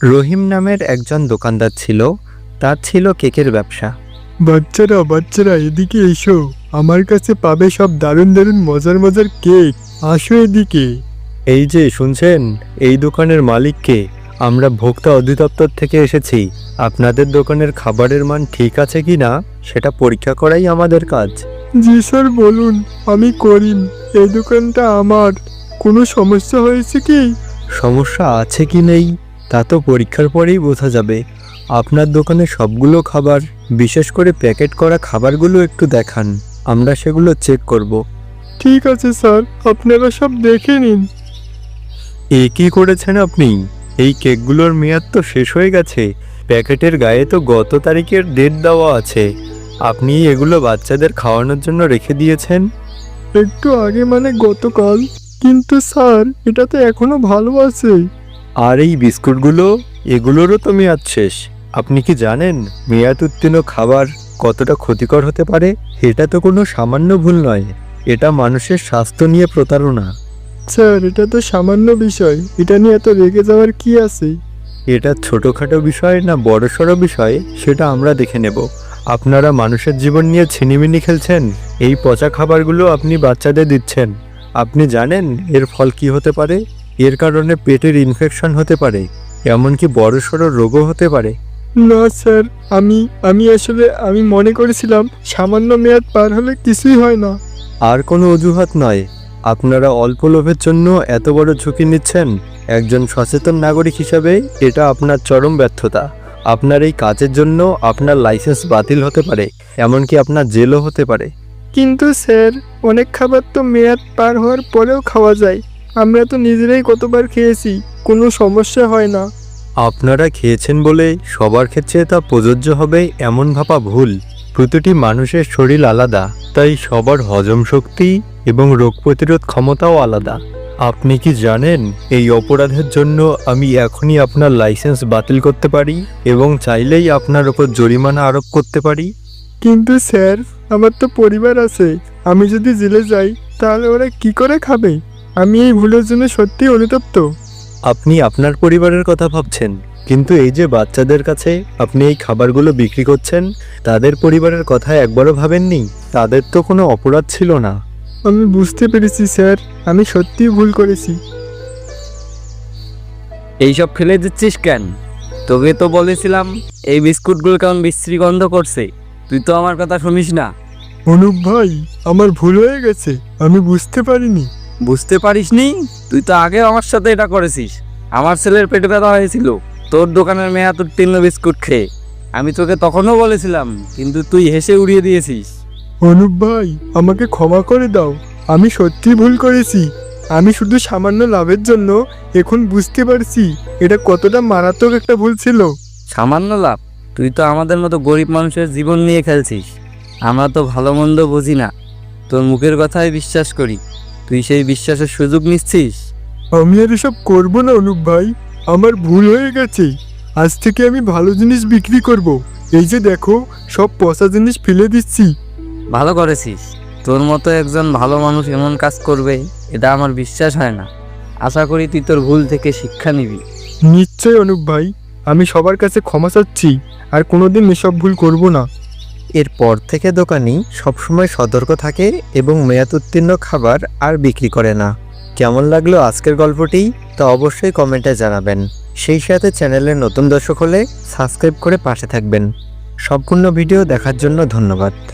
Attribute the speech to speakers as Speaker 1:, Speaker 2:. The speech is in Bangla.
Speaker 1: রহিম নামের একজন দোকানদার ছিল। তার ছিল কেকের ব্যবসা।
Speaker 2: বাচ্চারা এদিকে এসো, আমার কাছে পাবে সব দারুণ দারুণ মজার মজার কেক। আসো এদিকে।
Speaker 1: এই যে শুনছেন, এই দোকানের মালিককে আমরা ভোক্তা অধিদপ্তর থেকে এসেছি। আপনাদের দোকানের খাবারের মান ঠিক আছে কি না সেটা পরীক্ষা করাই আমাদের কাজ।
Speaker 2: জি স্যার, বলুন। আমি করিম, এই দোকানটা আমার। কোনো সমস্যা হয়েছে কি?
Speaker 1: সমস্যা আছে কি নেই তা তো পরীক্ষার পরেই বোঝা যাবে। আপনার দোকানে সবগুলো খাবার, বিশেষ করে প্যাকেট করা খাবারগুলো একটু দেখান, আমরা সেগুলো চেক করব।
Speaker 2: ঠিক আছে স্যার, আপনারা সব দেখে নিন।
Speaker 1: এ কি করেছেন আপনি? এই কেকগুলোর মেয়াদ তো শেষ হয়ে গেছে। প্যাকেটের গায়ে তো গত তারিখের ডেট দেওয়া আছে। আপনি এগুলো বাচ্চাদের খাওয়ানোর জন্য রেখে দিয়েছেন।
Speaker 2: একটু আগে মানে গতকাল। কিন্তু স্যার, এটা তো এখনো ভালো আছে।
Speaker 1: আর এই বিস্কুটগুলো, এগুলোরও তো মেয়াদ শেষ। আপনি কি জানেন মেয়াদ উত্তীর্ণ খাবার কতটা ক্ষতিকর হতে পারে? এটা তো কোনো সামান্য ভুল নয়, এটা মানুষের স্বাস্থ্য নিয়ে প্রতারণা।
Speaker 2: স্যার, এটা তো সামান্য বিষয়, এটা নিয়ে এত রেগে যাওয়ার কি আছে?
Speaker 1: এটা ছোটোখাটো বিষয় না বড়সড় বিষয় সেটা আমরা দেখে নেব। আপনারা মানুষের জীবন নিয়ে ছিনিমিনি খেলছেন। এই পচা খাবারগুলো আপনি বাচ্চাদের দিচ্ছেন। আপনি জানেন এর ফল কি হতে পারে? এর কারণে পেটের ইনফেকশন হতে পারে, এমনকি বড়সড় রোগও হতে পারে।
Speaker 2: না স্যার, আমি আসলে মনে করেছিলাম সামান্য মেয়াদ পার হলে কিছুই হয় না।
Speaker 1: আর কোনো অজুহাত নয়। আপনারা অল্প লোভের জন্য এত বড় ঝুঁকি নিচ্ছেন। একজন সচেতন নাগরিক হিসাবে এটা আপনার চরম ব্যর্থতা। আপনার এই কাজের জন্য আপনার লাইসেন্স বাতিল হতে পারে, এমনকি আপনার জেলও হতে পারে।
Speaker 2: কিন্তু স্যার, অনেক খাবার তো মেয়াদ পার হওয়ার পরেও খাওয়া যায়। আমরা তো নিজেরাই কতবার খেয়েছি, কোনো সমস্যা হয় না।
Speaker 1: আপনারা খেয়েছেন বলে সবার ক্ষেত্রে তা প্রযোজ্য হবে এমন ভাবা ভুল। প্রতিটি মানুষের শরীর আলাদা, তাই সবার হজম শক্তি এবং রোগ প্রতিরোধ ক্ষমতাও আলাদা। আপনি কি জানেন এই অপরাধের জন্য আমি এখনই আপনার লাইসেন্স বাতিল করতে পারি এবং চাইলেই আপনার ওপর জরিমানা আরোপ করতে পারি?
Speaker 2: কিন্তু স্যার, আমার তো পরিবার আছে। আমি যদি জেলে যাই তাহলে ওরা কি করে খাবে? আমি এই ভুলের জন্য সত্যিই অনুতপ্ত।
Speaker 1: আপনি আপনার পরিবারের কথা ভাবছেন, কিন্তু এই যে বাচ্চাদের কাছে আপনি এই খাবারগুলো বিক্রি করছেন, তাদের পরিবারের কথা একবারও ভাবেননি? তাদের তো কোনো অপরাধ ছিল না।
Speaker 2: আমি বুঝতে পেরেছি স্যার, আমি সত্যিই ভুল করেছি।
Speaker 3: এইসব ফেলে দিচ্ছিস কেন? তোকে তো বলেছিলাম এই বিস্কুটগুলো কেমন বিশ্রী গন্ধ করছে। তুই তো আমার কথা শুনিস না।
Speaker 2: অনুপ ভাই, আমার ভুল হয়ে গেছে, আমি বুঝতে পারিনি।
Speaker 3: বুঝতে পারিসনি? তুই তো আগেও আমার সাথে এটা করেছিস। আমার ছেলের পেটে ব্যথা হয়েছিল তোর দোকানের মেয়াদ উত্তীর্ণ বিস্কুট খেয়ে। আমি তোকে তখনও বলেছিলাম, কিন্তু তুই হেসে উড়িয়ে দিয়েছিস।
Speaker 2: অনুপ ভাই, আমাকে ক্ষমা করে দাও। আমি সত্যিই ভুল করেছি। আমি শুধু সামান্য লাভের জন্য এখন বুঝতে পারছি এটা কতটা মারাত্মক একটা ভুল ছিল।
Speaker 3: সামান্য লাভ? তুই তো আমাদের মতো গরিব মানুষের জীবন নিয়ে খেলছিস। আমরা তো ভালো মন্দ বুঝি না, তোর মুখের কথাই বিশ্বাস করি। তুই সেই বিশ্বাসের সুযোগ নিচ্ছিস।
Speaker 2: আমি আর এসব করবো না অনুপ ভাই, আমার ভুল হয়ে গেছে। আজ থেকে আমি ভালো জিনিস বিক্রি করব। এই যে দেখো, সব পচা জিনিস ফেলে দিচ্ছি।
Speaker 3: ভালো করেছিস। তোর মতো একজন ভালো মানুষ এমন কাজ করবে এটা আমার বিশ্বাস হয় না। আশা করি তুই তোর ভুল থেকে শিক্ষা নিবি।
Speaker 2: নিশ্চয় অনুপ ভাই, আমি সবার কাছে ক্ষমা চাচ্ছি, আর কোনোদিন এসব ভুল করব না।
Speaker 1: এরপর থেকে দোকানি সবসময় সতর্ক থাকে এবং মেয়াদ উত্তীর্ণ খাবার আর বিক্রি করে না। কেমন লাগলো আজকের গল্পটি তা অবশ্যই কমেন্টে জানাবেন। সেই সাথে চ্যানেলের নতুন দর্শক হলে সাবস্ক্রাইব করে পাশে থাকবেন। সম্পূর্ণ ভিডিও দেখার জন্য ধন্যবাদ।